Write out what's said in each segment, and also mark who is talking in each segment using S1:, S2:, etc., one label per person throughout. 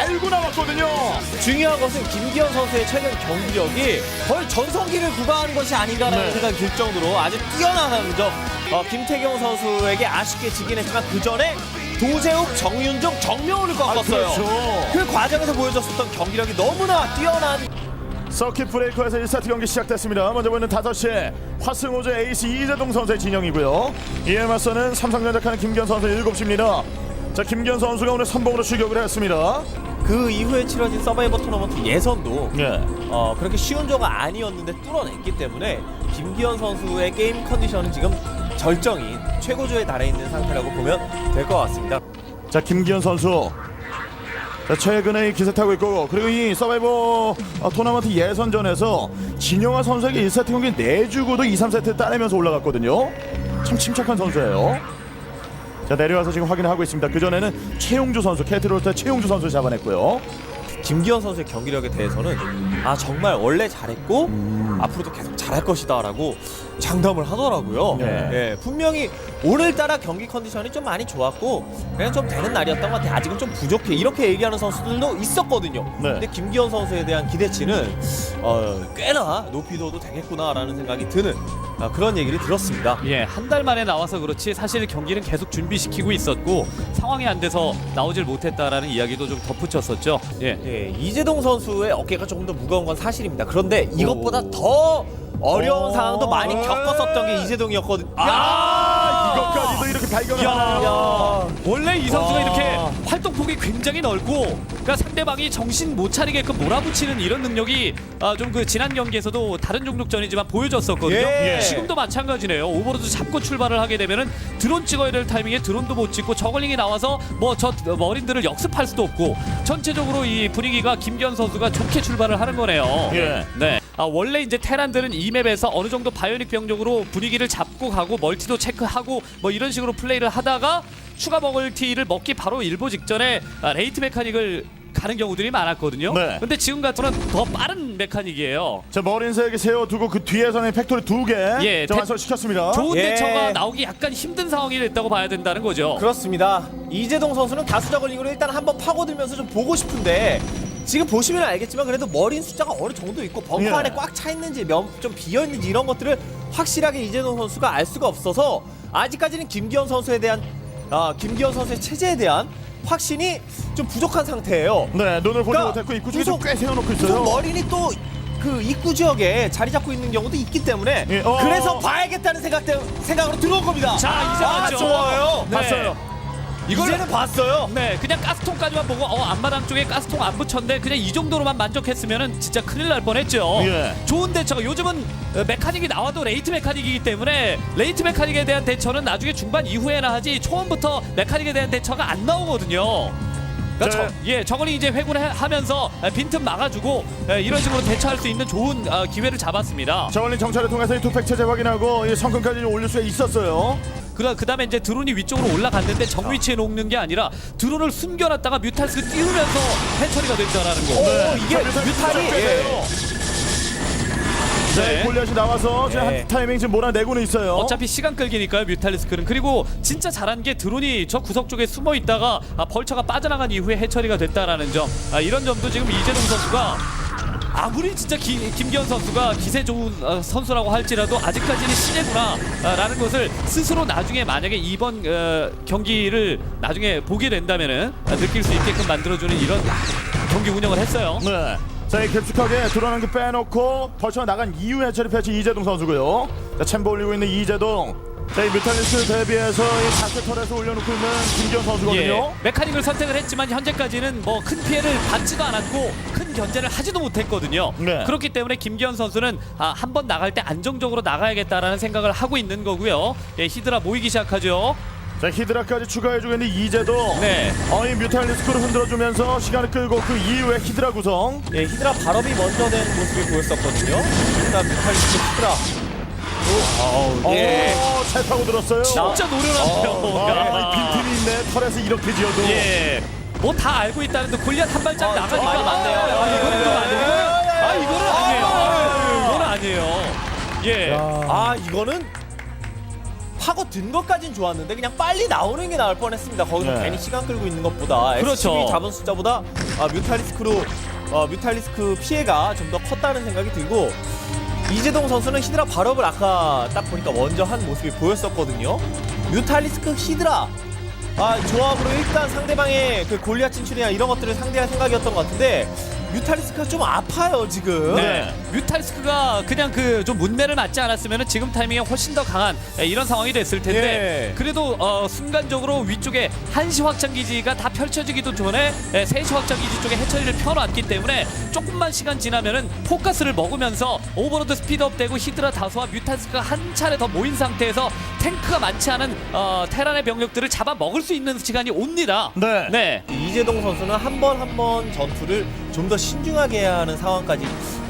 S1: 달고 나왔거든요.
S2: 중요한 것은 김기현 선수의 최근 경기력이 거의 전성기를 구가하는 것이 아닌가라는
S1: 네.
S2: 생각이 들 정도로 아주 뛰어나다는 점. 김태경 선수에게 아쉽게 지긴 했지만 그 전에 도재욱, 정윤종, 정명훈을 꺾었어요.
S1: 그렇죠.
S2: 그 과정에서 보여줬었던 경기력이 너무나 뛰어난.
S1: 서킷 브레이커에서 1세트 경기 시작됐습니다. 먼저 보이는 5시에 화승호조 에이스 이재동 선수의 진영이고요. 이에 맞서는 삼성전자카는 김기현 선수 7시입니다. 자, 김기현 선수가 오늘 선봉으로 출격을 했습니다.
S2: 그 이후에 치러진 서바이버 토너먼트 예선도
S1: 예.
S2: 그렇게 쉬운 조가 아니었는데 뚫어냈기 때문에 김기현 선수의 게임 컨디션은 지금 절정인 최고조에 달해 있는 상태라고 보면 될 것 같습니다.
S1: 자, 김기현 선수. 자, 최근에 이 기세 타고 있고, 그리고 이 서바이버 토너먼트 예선전에서 진영아 선수에게 1세트 경기 내주고도 2, 3세트 따내면서 올라갔거든요. 참 침착한 선수예요. 자, 내려와서 지금 확인하고 있습니다. 그전에는 최용주 선수, 캐트롤터 최용주 선수를 잡아냈고요.
S2: 김기현 선수의 경기력에 대해서는 정말 원래 잘했고 앞으로도 계속 잘할 것이다 라고 장담을 하더라고요.
S1: 네.
S2: 예, 분명히 오늘따라 경기 컨디션이 좀 많이 좋았고 그냥 좀 되는 날이었던 것 같아. 아직은 좀 부족해. 이렇게 얘기하는 선수들도 있었거든요.
S1: 네.
S2: 근데 김기현 선수에 대한 기대치는 꽤나 높이 둬도 되겠구나라는 생각이 드는 그런 얘기를 들었습니다.
S3: 예, 한 달 만에 나와서 그렇지 사실 경기는 계속 준비시키고 있었고 상황이 안 돼서 나오질 못했다라는 이야기도 좀 덧붙였었죠. 예.
S2: 이재동 선수의 어깨가 조금 더 무거운 건 사실입니다. 그런데 이것보다 더 어려운 상황도 많이 겪었었던 게 이재동이었거든요.
S1: 이것까지도 이렇게 발견을
S3: 야,
S1: 하나요?
S3: 원래 이 선수가
S2: 와.
S3: 이렇게 활동폭이 굉장히 넓고 그러니까 상대방이 정신 못 차리게끔 몰아붙이는 이런 능력이 좀 그 지난 경기에서도 다른 종족전이지만 보여줬었거든요.
S2: 예.
S3: 지금도 마찬가지네요. 오버로드 잡고 출발을 하게 되면은 드론 찍어야 될 타이밍에 드론도 못 찍고 저글링이 나와서 뭐 저 머린들을 역습할 수도 없고 전체적으로 이 분위기가 김기현 선수가 좋게 출발을 하는 거네요.
S1: 예.
S3: 네. 원래 이제 테란들은 이 맵에서 어느 정도 바이오닉 병력으로 분위기를 잡고 가고 멀티도 체크하고 뭐 이런 식으로 플레이를 하다가 추가 멀티를 먹기 바로 일보 직전에 레이트 메카닉을 가는 경우들이 많았거든요.
S1: 네.
S3: 근데 지금 같으면 더 빠른 메카닉이에요.
S1: 자, 머린색에 세워두고 그 뒤에서는 팩토리 2개
S3: 예,
S1: 완성시켰습니다.
S3: 좋은
S2: 예.
S3: 대처가 나오기 약간 힘든 상황이 됐다고 봐야 된다는 거죠.
S2: 그렇습니다. 이재동 선수는 다수 저글링으로 일단 한번 파고들면서 좀 보고 싶은데 지금 보시면 알겠지만 그래도 머린 숫자가 어느 정도 있고 벙커
S1: 예.
S2: 안에 꽉 차 있는지 좀 비어 있는지 이런 것들을 확실하게 이재동 선수가 알 수가 없어서 아직까지는 김기현 선수의 체제에 대한 확신이 좀 부족한 상태예요.
S1: 네, 눈을 보지
S2: 그러니까
S1: 못했고 입구 쪽에 좀
S2: 구석-
S1: 꽤 세워놓고
S2: 구석
S1: 있어요.
S2: 머린이 또 그 입구 지역에 자리 잡고 있는 경우도 있기 때문에
S1: 예,
S2: 그래서 봐야겠다는 생각으로 들어온 겁니다.
S3: 자, 이제 봤죠.
S2: 좋아요.
S3: 네.
S1: 봤어요.
S2: 이제는 봤어요.
S3: 네, 그냥 가스통까지만 보고 앞마당 쪽에 가스통 안 붙였는데 그냥 이 정도로만 만족했으면은 진짜 큰일 날 뻔했죠.
S1: 예.
S3: 좋은 대처가 요즘은 메카닉이 나와도 레이트 메카닉이기 때문에 레이트 메카닉에 대한 대처는 나중에 중반 이후에나 하지 초반부터 메카닉에 대한 대처가 안 나오거든요. 그러니까 저걸이 이제 회군하면서 빈틈 막아주고 이런 식으로 대처할 수 있는 좋은 기회를 잡았습니다.
S1: 저울린 정찰을 통해서 이 투팩 체제 확인하고 이 성큼까지 올릴 수가 있었어요.
S3: 그다음에 이제 드론이 위쪽으로 올라갔는데 정 위치에 놓는 게 아니라 드론을 숨겨놨다가 뮤탈스가 띄우면서 해처리가 됐다라는 거.
S2: 이게 뮤탈이
S1: 네, 골리앗이 나와서 지금
S2: 네.
S1: 한 타이밍 지금 몰아내고는 있어요.
S3: 어차피 시간 끌기니까요 뮤탈리스크는. 그리고 진짜 잘한 게 드론이 저 구석 쪽에 숨어 있다가 벌처가 빠져나간 이후에 해처리가 됐다라는 점. 이런 점도 지금 이재동 선수가 아무리 진짜 김기현 선수가 기세 좋은 선수라고 할지라도 아직까지는 신예구나 라는 것을 스스로 나중에 만약에 이번 경기를 나중에 보게 된다면은 느낄 수 있게끔 만들어주는 이런 경기 운영을 했어요.
S1: 네. 자, 이 깊숙하게 드러난 게 빼놓고 벌쳐 나간 이후에 해처리 패치 이재동 선수고요. 자, 챔버 올리고 있는 이재동. 자, 이 뮤탈리스트 대비해서 이 다크 털에서 올려놓고 있는 김기현 선수거든요.
S3: 예, 메카닉을 선택을 했지만 현재까지는 뭐 큰 피해를 받지도 않았고 큰 견제를 하지도 못했거든요.
S1: 네.
S3: 그렇기 때문에 김기현 선수는 한 번 나갈 때 안정적으로 나가야겠다라는 생각을 하고 있는 거고요. 예, 히드라 모이기 시작하죠.
S1: 자, 히드라까지 추가해주고 있는 이재동.
S3: 네.
S1: 이 뮤탈리스크를 흔들어주면서 시간을 끌고 그 이후에 히드라 구성.
S2: 예, 히드라 발업이 먼저 된 모습을 보였었거든요. 일단 뮤탈리스트 히드라. 예.
S1: 잘 타고 들었어요.
S3: 진짜 노련하네요.
S1: 이 빈틈이 있네. 털에서 이렇게 지어도.
S3: 예. 뭐 다 알고 있다는데 골리앗 한 발짝 나가니까
S2: 많이 맞네요.
S3: 이거는 좀 아니에요. 이거는 아니에요. 이거는 아니에요. 예.
S2: 이거는 파고든 것까진 좋았는데 그냥 빨리 나오는 게 나을 뻔했습니다. 거기서
S1: 네.
S2: 괜히 시간 끌고 있는 것보다
S3: 그렇죠.
S2: SCV 잡은 숫자보다 뮤탈리스크 피해가 좀 더 컸다는 생각이 들고 이재동 선수는 히드라 발업을 아까 딱 보니까 먼저 한 모습이 보였었거든요. 뮤탈리스크 히드라 조합으로 일단 상대방의 그 골리앗 진출이나 이런 것들을 상대할 생각이었던 것 같은데 뮤탈리스크가 좀 아파요 지금.
S3: 네. 뮤탈리스크가 그냥 그 좀 문매를 맞지 않았으면 지금 타이밍에 훨씬 더 강한 이런 상황이 됐을 텐데
S2: 예.
S3: 그래도 순간적으로 위쪽에 1시 확장 기지가 다 펼쳐지기도 전에 3시 확장 기지 쪽에 해처리를 펴놨기 때문에 조금만 시간 지나면은 포커스를 먹으면서 오버로드 스피드업 되고 히드라 다수와 뮤탈리스크가 한 차례 더 모인 상태에서 탱크가 많지 않은 테란의 병력들을 잡아 먹을 수 있는 시간이 옵니다.
S1: 네.
S3: 네.
S2: 이재동 선수는 한 번 한 번 전투를 좀 더 신중하게 해야 하는 상황까지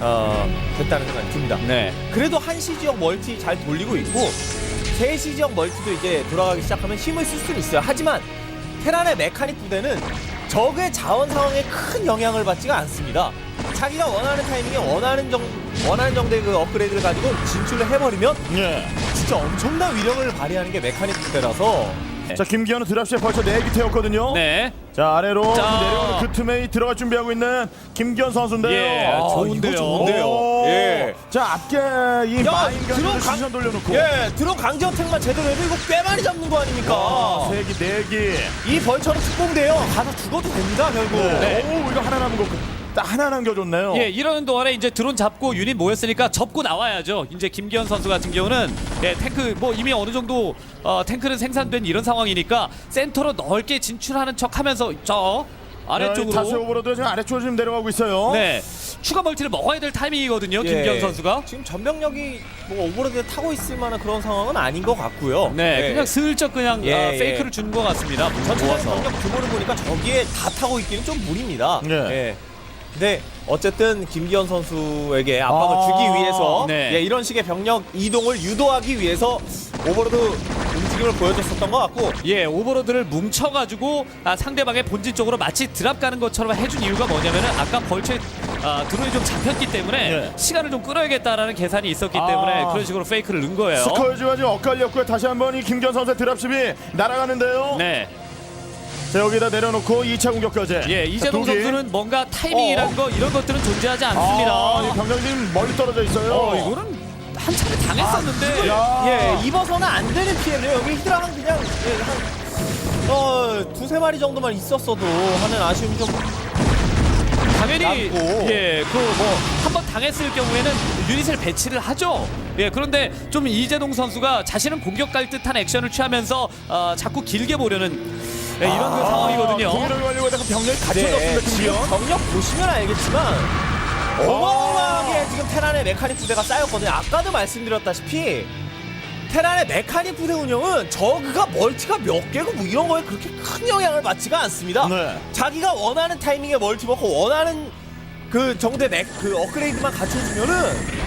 S2: 됐다는 생각이 듭니다.
S3: 네.
S2: 그래도 한시 지역 멀티 잘 돌리고 있고 3시 지역 멀티도 이제 돌아가기 시작하면 힘을 쓸 수는 있어요. 하지만 테란의 메카닉 부대는 적의 자원 상황에 큰 영향을 받지가 않습니다. 자기가 원하는 타이밍에 원하는 정도의 그 업그레이드를 가지고 진출을 해버리면
S1: 예.
S2: 진짜 엄청난 위력을 발휘하는 게 메카닉 부대라서
S1: 자, 김기현은 드랍시에 벌써 4기 태웠거든요.
S3: 네.
S1: 자, 아래로
S3: 자.
S1: 내려오는 그 틈에 들어갈 준비하고 있는 김기현 선수인데요.
S3: 예, 좋은데요.
S2: 이거 좋은데요.
S1: 오.
S2: 예.
S1: 자, 앞에 이 마인 가지고 시선 돌려놓고.
S2: 드론 강제 어택만 제대로 해도 이거 꽤 많이 잡는 거 아닙니까?
S1: 3기, 4기.
S2: 이 벌처는 특공대요. 가서 죽어도 됩니다, 결국.
S3: 네.
S1: 오, 이거 하나 남은 거. 딱 하나 남겨줬네요.
S3: 예, 이러는 동안에 이제 드론 잡고 유닛 모였으니까 접고 나와야죠. 이제 김기현 선수 같은 경우는 탱크 뭐 이미 어느 정도 탱크는 생산된 이런 상황이니까 센터로 넓게 진출하는 척하면서 저
S1: 다시
S3: 아래쪽으로
S1: 오버로드 지금 아래쪽으로 지금 내려가고 있어요.
S3: 네 추가 멀티를 먹어야 될 타이밍이거든요.
S2: 예.
S3: 김기현 선수가.
S2: 지금 전병력이 뭐 오버로드에 타고 있을 만한 그런 상황은 아닌 것 같고요.
S3: 네,
S2: 예.
S3: 그냥 슬쩍 그냥
S2: 예,
S3: 페이크를 준 것 같습니다.
S2: 전체적인
S3: 모아서.
S2: 병력 규모를 보니까 저기에 다 타고 있기는 좀 무리입니다.
S1: 네.
S2: 예. 근데 어쨌든 김기현 선수에게 압박을 주기 위해서
S3: 네.
S2: 예, 이런 식의 병력 이동을 유도하기 위해서 오버로드 움직임을 보여줬었던 것 같고
S3: 예, 오버로드를 뭉쳐가지고 상대방의 본진 쪽으로 마치 드랍 가는 것처럼 해준 이유가 뭐냐면은 아까 벌초에 드론이 좀 잡혔기 때문에
S1: 예.
S3: 시간을 좀 끌어야겠다라는 계산이 있었기 때문에 그런 식으로 페이크를 넣은 거예요.
S1: 스컬지가 지금 엇갈렸고요. 다시 한번 이 김기현 선수의 드랍십이 날아가는데요.
S3: 네,
S1: 자, 여기다 내려놓고 2차 공격까지.
S3: 예, 이재동
S1: 자, 두 기.
S3: 선수는 뭔가 타이밍이란 거 이런 것들은 존재하지 않습니다.
S1: 이 병력이 지금 멀리 떨어져 있어요.
S3: 이거는 한 차례 당했었는데.
S1: 야.
S2: 예, 입어서는 안 되는 피해를 여기 히드라는 그냥 한 두세 마리 정도만 있었어도 하는 아쉬움이 좀
S3: 당연히
S2: 남고.
S3: 예, 그 뭐 한 번 당했을 경우에는 유닛을 배치를 하죠. 예, 그런데 좀 이재동 선수가 자신은 공격 갈 듯한 액션을 취하면서 자꾸 길게 보려는 이런 그 상황이거든요.
S1: 공격을 완료하다가 병력이 갖춰졌습니다.
S2: 네, 지금
S1: 김기현.
S2: 병력 보시면 알겠지만 어마어마하게 지금 테란의 메카닉 부대가 쌓였거든요. 아까도 말씀드렸다시피 테란의 메카닉 부대 운영은 저그가 멀티가 몇 개고 뭐 이런 거에 그렇게 큰 영향을 받지가 않습니다.
S1: 네.
S2: 자기가 원하는 타이밍에 멀티 먹고 원하는 그 정도의 그 업그레이드만 갖춰주면은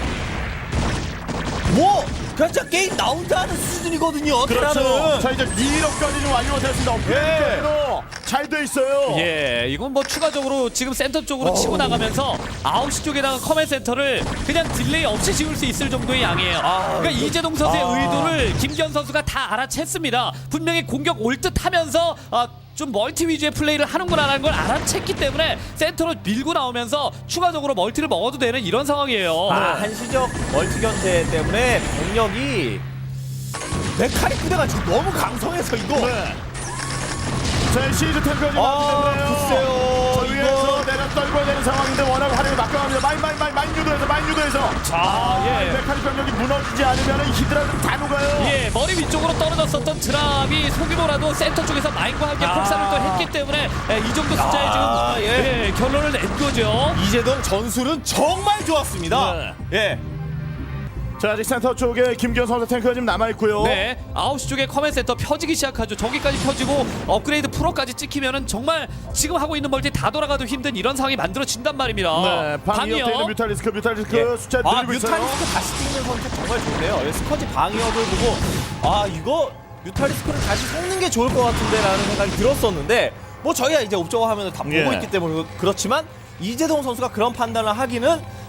S2: 뭐 그냥 진짜 게임 나온다는 수준이거든요.
S1: 그렇죠.
S2: 테란은.
S1: 자, 이제 2위력까지 좀 완료가 됐습니다. 업그레이드로 잘 돼 있어요.
S3: 예, 이건 뭐 추가적으로 지금 센터 쪽으로 치고 나가면서 9시 쪽에다가 커맨 센터를 그냥 딜레이 없이 지을 수 있을 정도의 양이에요. 그러니까 이재동 선수의 의도를 김기현 선수가 다 알아챘습니다. 분명히 공격 올 듯 하면서 좀 멀티 위주의 플레이를 하는구나라는 걸 알아챘기 때문에 센터로 밀고 나오면서 추가적으로 멀티를 먹어도 되는 이런 상황이에요.
S2: 한시적 멀티 견제 때문에 병력이 메카닉 부대가 지금 너무 강성해서 이거
S1: 네. 자, 시즈 탱크가 지금
S2: 글쎄요
S1: 저 위에서
S2: 이거
S1: 내려 떨궈야 되는 상황인데 워낙 화력이 막강합니다. 마인 유도해서
S3: 자, 예.
S1: 메카닉 병력이 무너지지 않으면 히드라는 다 녹아요.
S3: 예, 머리 위쪽으로 떨어졌었던 드랍이 소규모라도 센터 쪽에서 마인과 함께 폭사를 또 했기 때문에 이 정도 숫자에 지금
S2: 예.
S3: 결론을 낸 거죠.
S2: 이재동 전술은 정말 좋았습니다. 예.
S1: 자, 아직 센터 쪽에 김기현 선수 탱크가 지금 남아있고요.
S3: 네, 9시 쪽에 커맨 센터 펴지기 시작하죠. 저기까지 펴지고 업그레이드 프로까지 찍히면은 정말 지금 하고 있는 멀티 다 돌아가도 힘든 이런 상황이 만들어진단 말입니다.
S1: 네, 방위협 돼 있는 뮤탈리스크
S2: 예.
S1: 숫자 늘리고 있어요.
S2: 뮤탈리스크 다시 찍는 선택 정말 좋네요. 예, 스커지 방위업을 보고 이거 뮤탈리스크를 다시 섞는 게 좋을 것 같은데 라는 생각이 들었었는데 뭐 저희가 이제 옵저버 화면을 다 보고
S1: 예.
S2: 있기 때문에 그렇지만 이재동 선수가 그런 판단을 하기는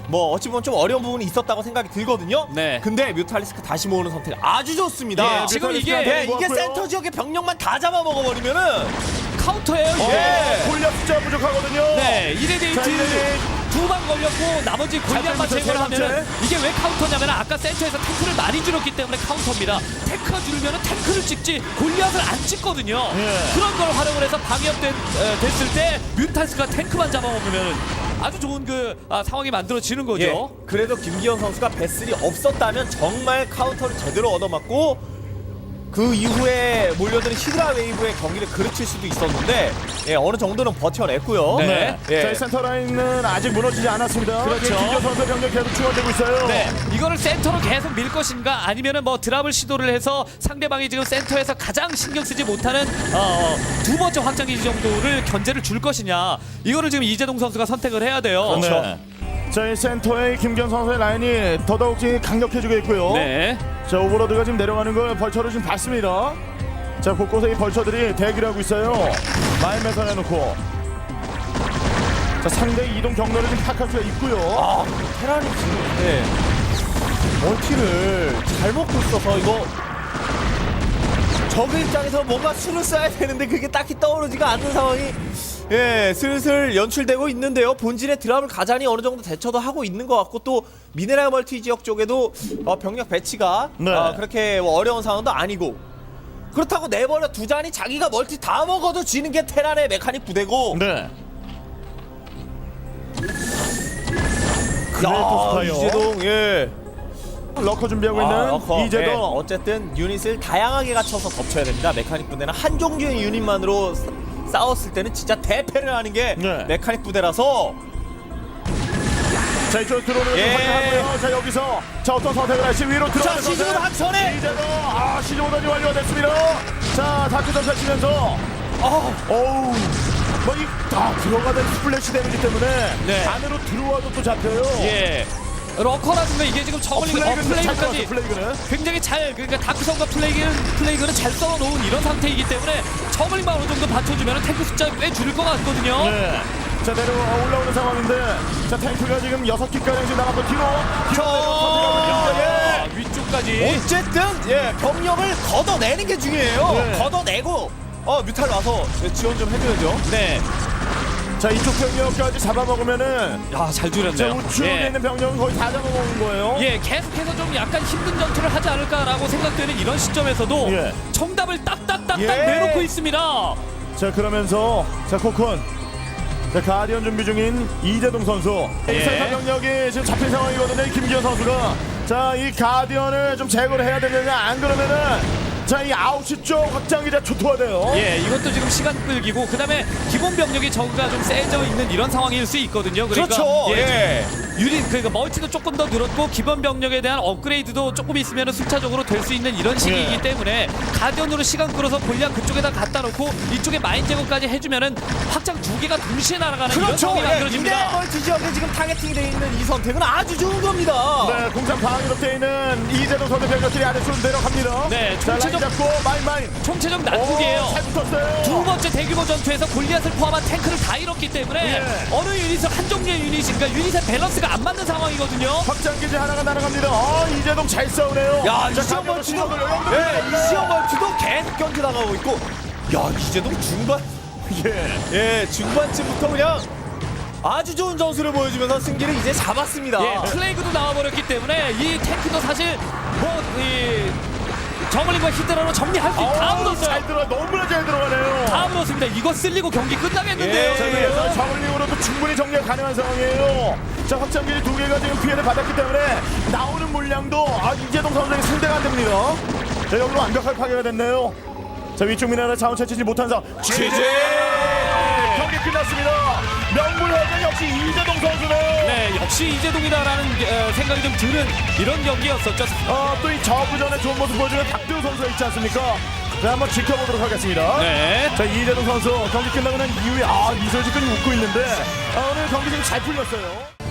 S2: 뭐 어찌 보면 좀 어려운 부분이 있었다고 생각이 들거든요.
S3: 네.
S2: 근데 뮤탈리스크 다시 모으는 선택 아주 좋습니다.
S3: 예, 지금 이게
S2: 이게 센터 지역의 병력만 다 잡아먹어버리면은
S3: 카운터예요. 이게.
S2: 예.
S1: 골리앗 숫자 부족하거든요.
S3: 네, 1회
S1: 자,
S3: 데이트
S1: 이제
S3: 두 방 걸렸고 나머지 골리앗만
S1: 세
S3: 제거를
S1: 번째.
S3: 하면 이게 왜 카운터냐면 아까 센터에서 탱크를 많이 줄였기 때문에 카운터입니다. 탱크가 줄면 탱크를 찍지 골리앗을 안 찍거든요.
S1: 예.
S3: 그런 걸 활용을 해서 됐을 때 뮤탈스가 탱크만 잡아먹으면 아주 좋은 상황이 만들어지는 거죠.
S2: 예. 그래도 김기현 선수가 배슬이 없었다면 정말 카운터를 제대로 얻어맞고 그 이후에 몰려드는 히드라 웨이브의 경기를 그르칠 수도 있었는데 예, 어느 정도는 버텨냈고요.
S3: 네.
S2: 예.
S1: 저희 센터 라인은 아직 무너지지 않았습니다.
S3: 그렇죠.
S1: 김기현 선수 병력 계속 충원되고 있어요.
S3: 네, 이거를 센터로 계속 밀 것인가 아니면은 뭐 드랍을 시도를 해서 상대방이 지금 센터에서 가장 신경 쓰지 못하는 두 번째 확장기지 정도를 견제를 줄 것이냐 이거를 지금 이재동 선수가 선택을 해야 돼요.
S1: 네. 저희 센터의 김기현 선수의 라인이 더더욱 강력해지고 있고요.
S3: 네.
S1: 자, 오버로드가 지금 내려가는 걸 벌처로 지금 봤습니다. 자, 곳곳에 이 벌처들이 대기를 하고 있어요. 마인 매선해놓고. 자, 상대 이동 경로를 지금 파악할 수가 있고요.
S2: 아, 테란이 지금 네. 멀티를 잘 먹고 있어서 이거 적 입장에서 뭔가 수를 써야 되는데 그게 딱히 떠오르지가 않는 상황이 예, 슬슬 연출되고 있는데요. 본진의 드랍을 가자니 어느 정도 대처도 하고 있는 것 같고 또 미네랄 멀티 지역 쪽에도 병력 배치가
S1: 네.
S2: 그렇게 어려운 상황도 아니고 그렇다고 내버려 두자니 자기가 멀티 다 먹어도 지는 게 테란의 메카닉 부대고
S1: 네.
S2: 야,
S1: 스파이어.
S2: 이재동 예.
S1: 러커 준비하고 있는
S2: 러커.
S1: 이재동.
S2: 예, 어쨌든 유닛을 다양하게 갖춰서 덮쳐야 됩니다. 메카닉 부대는 한 종류의 유닛만으로 싸웠을 때는 진짜 대패를 하는 게
S1: 네.
S2: 메카닉 부대라서
S1: 자, 이쪽 들어오는
S2: 예.
S1: 확인하고요. 자, 여기서 자, 어떤 선택을 할지 위로
S2: 자
S1: 들어가는
S2: 시즌
S1: 선택.
S2: 한선에
S1: 이재동. 아, 시즌 오단이 완료가 됐습니다. 자, 다크 전차 치면서 어우. 들어가던 스플래시 데미지 때문에
S3: 네.
S1: 안으로 들어와도 또 잡혀요.
S3: 예. 러커라든가 이게 지금
S1: 플레이그는 잘
S3: 플레이그까지
S1: 들어왔어, 플레이그는.
S3: 굉장히 잘 다크성과 플레이그는 잘 썰어놓은 이런 상태이기 때문에 저글링만 어느 정도 받쳐주면 탱크 숫자 꽤 줄일 것 같거든요.
S1: 네. 자, 올라오는 상황인데 자, 탱크가 지금 6기가량 지금 나가고 뒤로
S2: 예.
S3: 위쪽까지.
S2: 어쨌든 예, 병력을 걷어내는 게 중요해요.
S1: 네.
S2: 걷어내고 뮤탈 와서 지원 좀 해줘야죠.
S3: 네.
S1: 자, 이쪽 병력까지 잡아먹으면은
S3: 야, 잘
S1: 자,
S3: 줄였네요.
S1: 우측에 있는 병력은 거의 다 잡아먹은 거예요.
S3: 예, 계속해서 좀 약간 힘든 전투를 하지 않을까라고 생각되는 이런 시점에서도
S1: 예.
S3: 정답을 딱딱딱딱
S2: 예.
S3: 내놓고 있습니다.
S1: 자, 그러면서 자, 코콘 자, 가디언 준비 중인 이재동 선수.
S3: 예.
S1: 이 센터 병력이 지금 잡힌 상황이거든요. 이 김기현 선수가 자, 이 가디언을 좀 제거를 해야 되느냐 안 그러면은 자, 이 9시 쪽 확장기자 초토화 돼요.
S3: 예, 이것도 지금 시간 끌기고 그다음에 기본 병력이 저가 좀 세져 있는 이런 상황일 수 있거든요. 그러니까
S2: 그렇죠. 예.
S3: 유닛 그러니까 멀티도 조금 더 늘었고 기본 병력에 대한 업그레이드도 조금 있으면 순차적으로 될 수 있는 이런 시기이기
S1: 예.
S3: 때문에 가디언으로 시간 끌어서 골리앗 그쪽에다 갖다 놓고 이쪽에 마인 제거까지 해주면은 확장 두 개가 동시에 날아가는 이런
S2: 그렇죠.
S3: 상황이
S2: 예,
S3: 만들어집니다.
S2: 멀티 지역에 지금 타겟팅이 되어 있는 이 선택은 아주 좋은 겁니다.
S1: 네, 공산 방위로 되어 있는 이재동 선수 병력들이 아래쪽으로 내려갑니다.
S3: 네,
S1: 자, 라인
S3: 총체적-
S1: 잡고 마인.
S3: 총체적 난국이에요.
S1: 잘 붙었어요.
S3: 두 번째 대규모 전투에서 골리앗을 포함한 탱크를 다 잃었기 때문에
S1: 예.
S3: 어느 유닛을 한 종류의 유닛인가 유닛의 밸런스가 안 맞는 상황이거든요.
S1: 확장기지 하나가 날아갑니다. 이재동 잘 싸우네요.
S2: 야,
S1: 자,
S2: 이시영
S1: 가디언으로
S2: 멀티도
S1: 신호를
S2: 예, 이시영 멀티도 계속 견제당하고 있고 야, 이재동 중반
S1: 예.
S2: 중반쯤부터 그냥 아주 좋은 전술을 보여주면서 승기를 이제 잡았습니다.
S3: 예, 플레이그도 나와버렸기 때문에 이 탱크도 사실 이 저글링과 히드라로 정리할 수 다 물었어요.
S1: 잘 들어, 너무나 잘 들어가네요.
S3: 다 물었습니다. 이거 쓸리고 경기 끝나겠는데요.
S2: 예.
S1: 자, 그래서 저글링으로도 충분히 정리가 가능한 상황이에요. 자, 확장기지 두 개가 지금 피해를 받았기 때문에 나오는 물량도 이재동 선수에게 상대가 안 됩니다. 자, 여기로 완벽하게 파괴가 됐네요. 자, 위쪽 미네랄 자원 채취지 못한 상황.
S2: GG!
S1: 경기 끝났습니다. 명불허전 역시 이재동 선수네요.
S3: 네, 역시 이재동이다라는 생각이 좀 드는 이런 경기였었죠.
S1: 또 이 저구전에 좋은 모습 보여주는 박대우 선수가 있지 않습니까? 자, 한번 지켜보도록 하겠습니다.
S3: 네.
S1: 자, 이재동 선수 경기 끝나고 난 이후에 미소를 짓고 웃고 있는데 오늘 경기 좀 잘 풀렸어요.